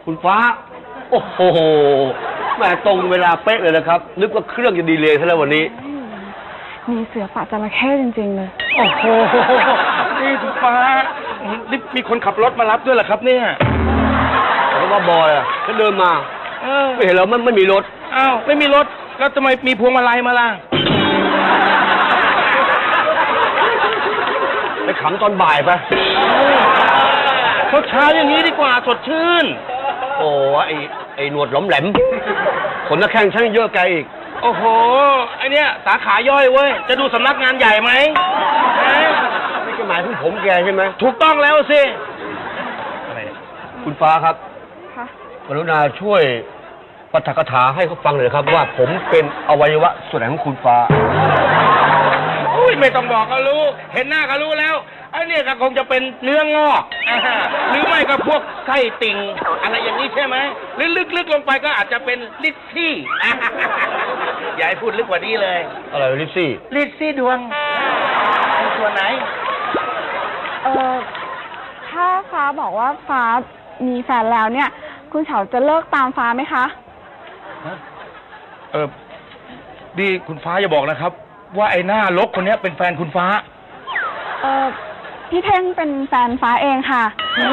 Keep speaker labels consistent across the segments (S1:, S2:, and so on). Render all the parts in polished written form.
S1: คุณฟ้าโอ้โหแม่ตรงเวลาเป๊ะเลยนะครับนึกว่าเครื่องจะดีเลยซะแล้ววันนี้
S2: มีเสือป่าจระเข้จริงๆเลย
S3: โอ้โหนี่คุณฟ้านี่มีคนขับรถมารับด้วยเหรอครับเนี่ย
S1: เพราะว่าบอยก็เดินมาไม่เห็นแล้วมันไม่มีรถ
S3: อ้าวไม่มีรถแล้วทำไมมีพวงมาลัยมาล่ะ
S1: ไปขำตอนบ่ายไป
S3: เช้าอย่างนี้ดีกว่าสดชื่น
S1: โอ้ไอ้หนวดหลอมแหลมขนนักแข่งช่างเยอะแกอีก
S3: โอ้โหไอเนี้ยสาขาย่อยเว้ยจะดูสำนักงานใหญ่ไหม
S1: นี่ก็หมายถึงผมแกใช่ไหม
S3: ถูกต้องแล้วสิ
S1: อะไรคุณฟ้าครับกรุณาช่วยปาฐกถาให้เขาฟังหน่อยครับว่าผมเป็นอวัยวะส่วนไหนของคุณฟ้า
S3: อุ้ยไม่ต้องบอกก็รู้เห็นหน้าก็รู้แล้วไอ้เนี่ยก็คงจะเป็นเนื้องอกหรือไม่ก็พวกไส้ติ่งอะไรอย่างนี้ใช่ไหมหรือลึกๆลงไปก็อาจจะเป็นลิซซี่อย่าให้พูดลึกกว่านี้เลย
S1: อะไรลิซ
S3: ซี่ดวงส่วนไหน
S2: ถ้าฟ้าบอกว่าฟ้ามีแฟนแล้วเนี่ยคุณเฉาจะเลิกตามฟ้าไหมคะ
S3: ดีคุณฟ้าอย่าบอกนะครับว่าไอ้หน้าลกคนนี้เป็นแฟนคุณฟ้า
S2: พี่เท่งเป็นแฟนฟ้าเองค่ะ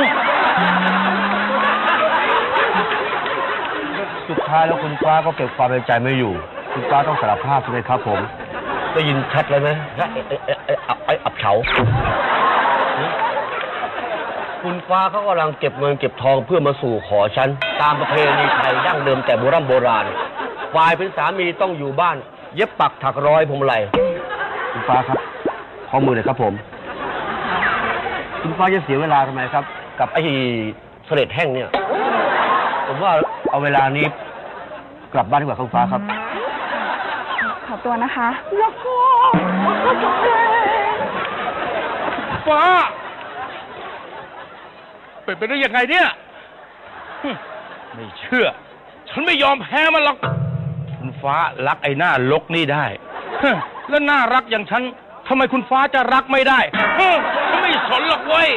S1: สุดท้ายแล้วคุณฟ้าก็เก็บความในใจไม่อยู่คุณฟ้าต้องสารภาพใช่ไหมครับผมได้ยินชัดเลยไหมไอ้อับเฉาคุณฟ้าเขากำลังเก็บเงินเก็บทองเพื่อมาสู่ขอฉันตามประเพณีไทยดั้งเดิมแต่โบราณฝ่ายเป็นสามีต้องอยู่บ้านเย็บปักถักร้อยพวงมาลัยคุณฟ้าครับข้อมือเลยครับผมคุณฟ้าจะเสียเวลาทำไมครับกับไอ้เสลดแห้งเนี่ยผมว่าเอาเวลานี้กลับบ้านดีกว่าคุณฟ้าครับ
S2: ขอตัวนะคะ
S3: ฟ้าเป็นไปได้ยังไงเนี่ยไม่เชื่อฉันไม่ยอมแพ้มันหรอกคุณฟ้ารักไอ้หน้าลกนี่ได้แล้วน่ารักอย่างฉันทำไมคุณฟ้าจะรักไม่ได้ฉันไม่สนหรอกเว้ย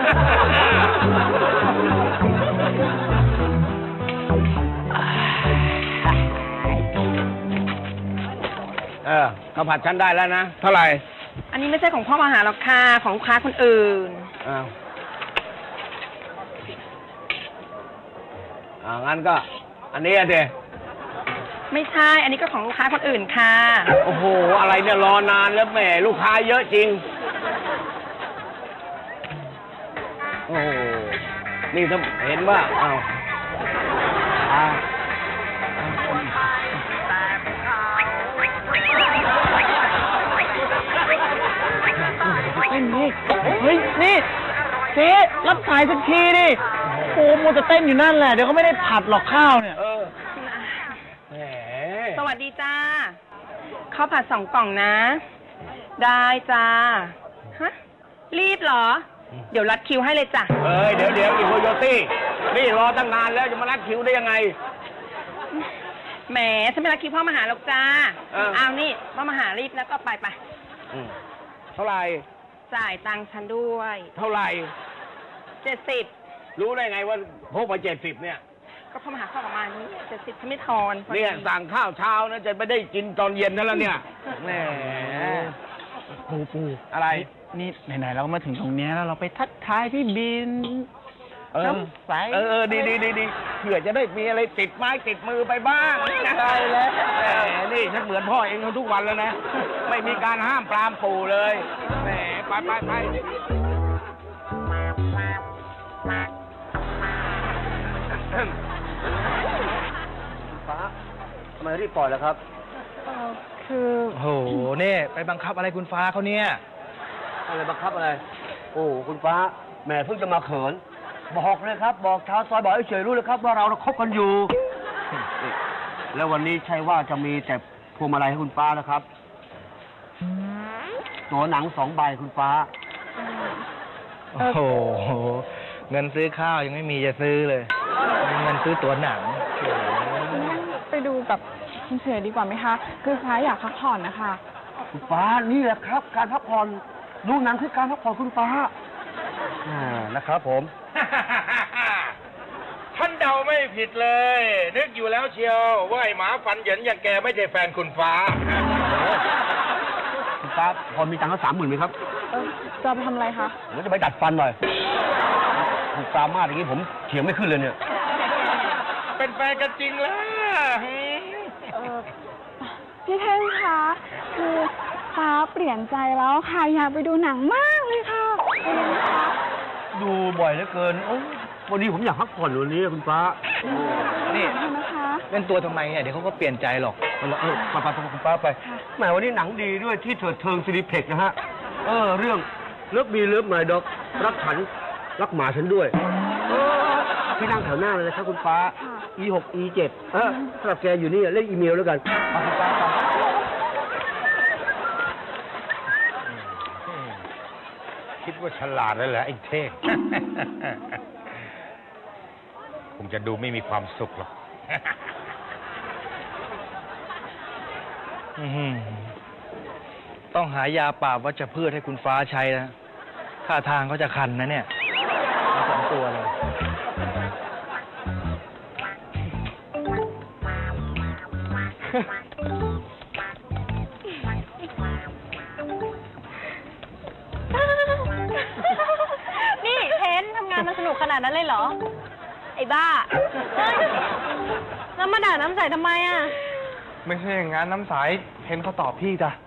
S3: ข้าวผัดฉันได้แล้วนะเท่าไหร่
S2: อันนี้ไม่ใช่ของพ่อมาหาหรอกค่ะของลูกค้าคนอื่น
S1: งั้นก็อันนี้เด
S2: ไม่ใช่อันนี้ก็ของลูกค้าคนอื่นค่ะ
S1: โอ้โหอะไรเนี่ยรอนานแล้วแหมลูกค้าเยอะจริงโอ้นี่ถ้าเห็นว่า
S4: เฮ้ยนี่เจ๊รับสายสักทีดิโอ้โมจะเต้นอยู่นั่นแหละเดี๋ยวก็ไม่ได้ผัดหรอกข้าวเนี่ย
S2: สวัสดีจ้าข้าวผัด2 กล่องนะได้จ้าฮะรีบเหรอเดี๋ยวรัดคิวให้เลยจ้ะ
S1: เดี๋ยวอีโคโยตี้นี่รอตั้งนานแล้วจะมารัดคิวได้ยังไง
S2: แหมฉันไม่รัดคิวพ่อมาหาหรอกจ้าเอานี่พ่อมาหารีบแล้วก็ไป
S1: เท่าไหร่
S2: จ่ายตังค์ฉันด้วย
S1: เท่าไหร่
S2: 70
S1: รู้ได้ไงว่าพกมา70เนี่ย
S2: ก็พ่อมาหาข้าวประมาณนี้70ฉันไม่ทอน
S1: เนี่ยสั่งข้าวเช้านะจะไม่ได้กินตอนเย็นนั่นแล้วเนี่ยแหม
S4: ปู
S1: อะไร
S4: นี่ไหนๆเราก็มาถึงตรงนี้แล้วเราไปทักทายพี่บินน้ำใส
S1: ดีเผื่อจะได้มีอะไรติดไม้ติดมือไปบ้าง
S4: ใช่แล้ว
S1: นี่ฉันเหมือนพ่อเองทุกวันแล้วนะไม่มีการห้ามปรามปู่เลยแหมไปฟ้าทำไมรีบปล่อยแล้วครับ
S2: คือ
S4: โหนี่ไปบังคับอะไรคุณฟ้าเขาเนี่ย
S1: อะไรบังคับอะไรโอ้คุณฟ้าแม่เพิ่งจะมาเขินบอกเลยครับบอกชาวซอยบอกให้เฉยรู้เลยครับว่าเราคบกันอยู่แล้ววันนี้ใช่ว่าจะมีแต่พวงมาลัยให้คุณฟ้านะครับตัวหนัง2 ใบคุณฟ้า
S4: โอ้โหเงินซื้อข้าวยังไม่มีจะซื้อเลยเงินซื้อตัวหนัง
S2: ไปดูกับคุณเฉยดีกว่าไหมคะคือฟ้าอยากพักผ่อนนะคะ
S1: คุณฟ้านี่แหละครับการพักผ่อนดูหนังคือการพักผ่อนคุณฟ้านะครับผม
S3: ท่านเดาไหมไม่ผิดเลย นึกอยู่แล้วเชียวว่าไอ้หมาฟันเหยินอย่างแกไม่ใช่แฟนคุณฟ้า
S1: คุณฟ้าพอมีตังค์สัก30,000ไหมครับ
S2: จะไปทำอะไรคะ
S1: ผมจะไปดัดฟันหน่อยคุณฟ้ามากอย่างนี้ผมเถียงไม่ขึ้นเลยเนี่ย
S3: เป็นแฟนกันจริงแล้ว
S5: พี่เท่งคะ คือฟ้าเปลี่ยนใจแล้วค่ะ อยากไปดูหนังมากเลยค่ะไปเลยนะคะ
S1: ดูบ่อยเหลือเกินโอ้วันนี้ผมอยากพักผ่อนวันนี้คุณฟ้า
S4: นี่
S5: ขอบคุณนะคะ
S4: เล่นตัวทำไมเนี่ยเดี๋ยวเขาก็เปลี่ยนใจหรอก
S1: ไปคุณฟ้าไปแหมวันนี้หนังดีด้วยที่เถิดเทิงซินิเพ็กนะฮะ เรื่องเลิฟมีเลิฟไมด็อกรักฉันรักหมาฉันด้วยที่นั่งแถวหน้าเลยนะครับคุณฟ้า E6 E7 สำหรับแกอยู่นี่เล่นอีเมลแล้วกันไปคุณฟ้าไป
S3: คิดว่าฉลาดแล้วเหรอไอ้เท่ง คงจะดูไม่มีความสุขหรอก
S4: ต้องหายาปราบวัชพืชให้คุณฟ้าใช้นะท่าทางเขาจะคันนะเนี่ยเอา2 ตัวเลย
S6: นี่เทนทำงานมันสนุกขนาดนั้นเลยเหรอ ไอ้บ้าเฮ้ยแล้วมาด่าน้ำใสทำไมอ่ะ
S4: ไม่ใช่อย่างนั้นน้ำใสเห็นเขาตอบพี่จ้ะ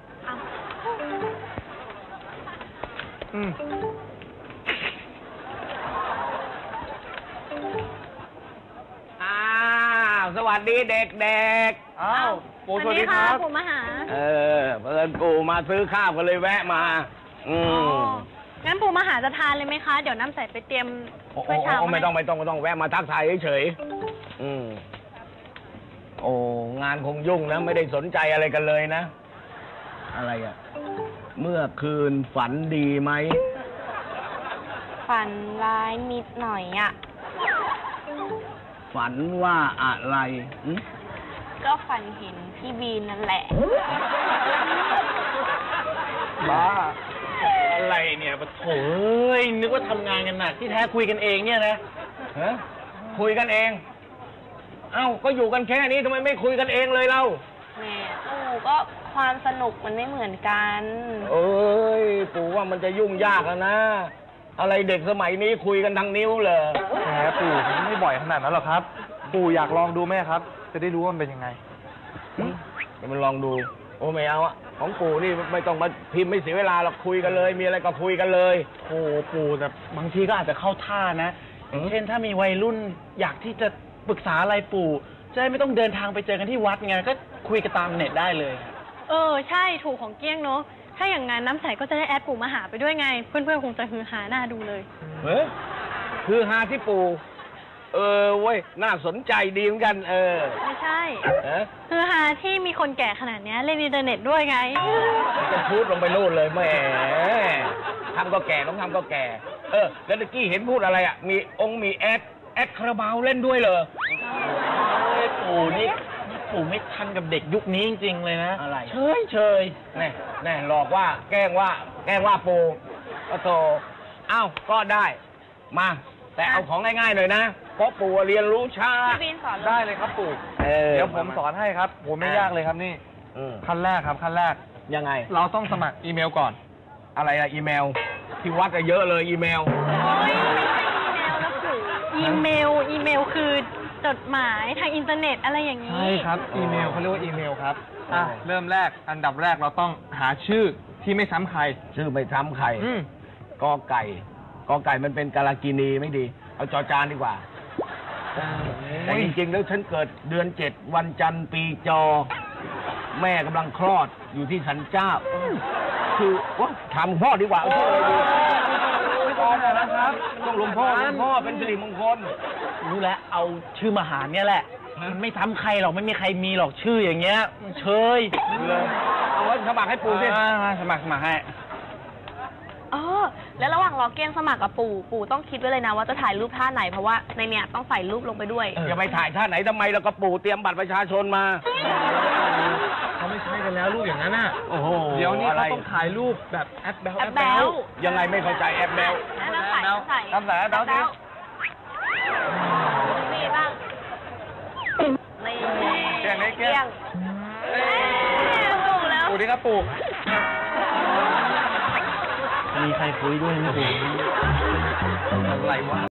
S1: สวัสดีเด็ก
S4: อ้าวปู่สวัสดีครับ
S6: ปู่มาหา
S1: เพื่อนปู่มาซื้อข้าวกันเลยแวะมา
S6: งั้นปู่มาหาจะทานเลยไหมคะ เดี๋ยวน้ำใสไปเตรียมถ้วยชาม
S1: ไม่ต้องแวะมาทักทายเฉยโอ้งานคงยุ่งนะ ไม่ได้สนใจอะไรกันเลยนะ อะไรอ่ะ เมื่อคืนฝันดีไหม
S6: ฝันร้ายนิดหน่อยอ่ะ
S1: ฝันว่าอะไร
S6: ก็ฝันเห็นพี่บีนนั่นแหละ
S1: บ้า
S4: อะไรเนี่ยปะโถยนึกว่าทำงานกันหนักที่แท้คุยกันเองเนี่ยนะ
S1: ฮะคุยกันเอง เอ้าก็อยู่กันแค่นี้ทำไมไม่คุยกันเองเลยเรา
S6: แม่ปู่ก็ความสนุกมันไม่เหมือนกัน
S1: เอ้ยปู่ว่ามันจะยุ่งยากแล้วนะ อะไรเด็กสมัยนี้คุยกันทางนิ้วเลย
S4: แหมปู่ผมไม่บ่อยขนาดนั้นหรอกครับ ปู่อยากลองดูไหมครับ จะได้รู้ว่ามันเป็นยังไง
S1: เดี๋ยวมันลองดู โอ้ไม่เอาอะของปู่นี่ไม่ต้องมาพิมพ์ไม่เสียเวลาหรอกคุยกันเลย มีอะไรก็คุยกันเลย
S4: โอ้ปู่แต่บางทีก็อาจจะเข้าท่านะอย่างเช่นถ้ามีวัยรุ่นอยากที่จะปรึกษาอะไรปู่จะได้ไม่ต้องเดินทางไปเจอกันที่วัดไงก็คุยกันตามเน็ตได้เลย
S6: ใช่ถูกของเกี้ยงเนาะ ถ้าอย่างงั้นน้ำใสก็จะได้แอดปู่มาหาไปด้วยไง เพื่อนๆคงจะฮือฮาหน้าดูเลย
S1: เฮ้ยคือฮาที่ปู่เว้ยน่าสนใจดีเหมือนกัน
S6: ไม่ใช่
S1: เอ๊ะ
S6: ฮือฮาที่มีคนแก่ขนาดเนี้ยเล่นอินเทอร์เน็ตด้วยไง
S1: จะพูดลงไปโน่นเลยแหมทำก็แก่ต้องทำก็แก่ แล้วตะกี้เห็นพูดอะไรอ่ะ มีแอดคาราบาวเล่นด้วยเหรอ
S4: ปู่นี่ปู่ไม่ทันกับเด็กยุคนี้จริงๆเลยนะ
S1: อะไร
S4: เฉย
S1: แน่หลอกว่าแกล้งว่าปูก็โตอ้าวก็ได้มา แต่เอาของง่ายๆหน่อยนะเพราะปู่เรียนรู้ช้า
S6: พี่บีนสอน
S4: ได้เลยครับปู่เดี๋ยวผมสอนให้ครับผมไม่ยากเลยครับนี่ขั้นแรกครับขั้นแรก
S1: ยังไง
S4: เราต้องสมัครอีเมลก่อน
S1: อะไรอะอีเมลที่วัดอะเยอะเลยอีเมล
S6: อีเมลคือจดหมายทางอินเทอร์เน็ตอะไรอย่างนี้
S4: ใช่ครับอีเมลเขาเรียกว่าอีเมลครับเริ่มแรกอันดับแรกเราต้องหาชื่อที่ไม่ซ้ำใคร
S1: ชื่อไม่ซ้ำใครกอไก่มันเป็นกาลากินีไม่ดี เอาจอจานดีกว่าแต่จริงๆแล้วฉันเกิดเดือน7วันจันทร์ปีจอ แม่กำลังคลอดอยู่ที่สันเจ้าคือว่าถามพ่อดีกว่าเอาชื่ออะไรดีพ่อนะครับต้องหลวงพ่อเป็นสิริมงคล
S4: รู้แล้วเอาชื่อมหาเนี่ยแหละมันไม่ซ้ำใครหรอกไม่มีใครมีหรอกชื่ออย่างเงี้ยเชย
S1: เลยเอาไว้สมัครให้ปู่สิ
S4: สมัครให้
S6: แล้วระหว่างรอเกี้ยงสมัครกับปู่ต้องคิดไว้เลยนะว่าจะถ่ายรูปท่าไหนเพราะว่าในเนี้ยต้องใส่รูปลงไปด้วย
S1: จะไปถ่ายท่าไหนทำไมแล้วก็ปู่เตรียมบัตรประชาชนมา
S4: เขาไม่ใช่กันแล้วรูปอย่างนั้นน่ะ
S1: โอ้โห
S4: เดี๋ยวนี้
S1: อะไร
S4: เขาต้องถ่ายรูปแบบแอปแบล
S6: แอปแบล
S1: ยังไงไม่เข้าใจแอปแบล
S6: น้ำใส่
S4: น้ำใส่แอปแบลสิ
S6: มีบ้าง
S4: งให้แกล้ง
S6: ถูกแล้ว
S4: ปู่ดีครับปู่มีใครคุยด้วยไหมปู่อะไรวะ